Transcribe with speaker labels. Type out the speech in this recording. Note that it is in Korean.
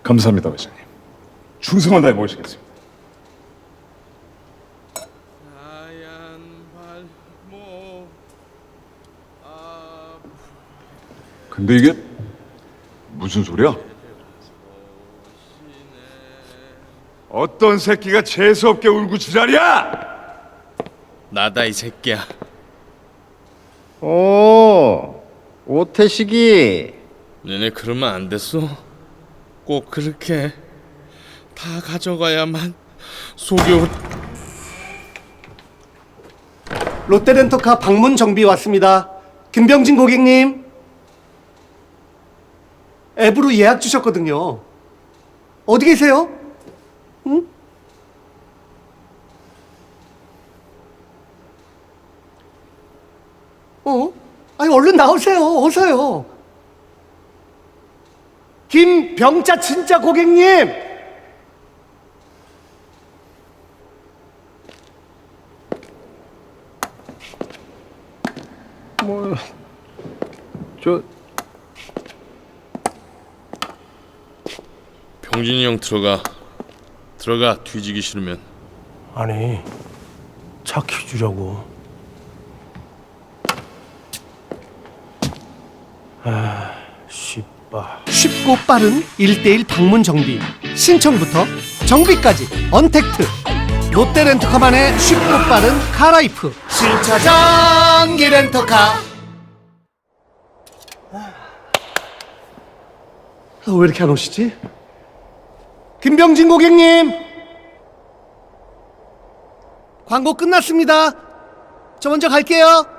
Speaker 1: 감사합니다, 회장님. 충성을 다해 모시겠습니다. 근데 이게 무슨 소리야? 어떤 새끼가 재수없게 울고 지랄이야?
Speaker 2: 나다 이 새끼야.
Speaker 3: 오, 오태식이.
Speaker 2: 너네 그러면 안 됐어? 꼭 그렇게 다 가져가야만 속이 올...
Speaker 4: 롯데렌터카 방문 정비 왔습니다. 김병진 고객님. 앱으로 예약 주셨거든요. 어디 계세요? 응? 아니 얼른 나오세요. 어서요. 김병자 진짜 고객님.
Speaker 2: 병진이 형 들어가. 뒤지기 싫으면.
Speaker 5: 아니, 착히 주려고. 씨빠.
Speaker 4: 쉽고 빠른 1대1 방문 정비. 신청부터 정비까지 언택트. 롯데렌터카만의 쉽고 빠른 카라이프. 신차장기 렌터카. 왜 이렇게 안 오시지? 김병진 고객님. 광고 끝났습니다. 저 먼저 갈게요.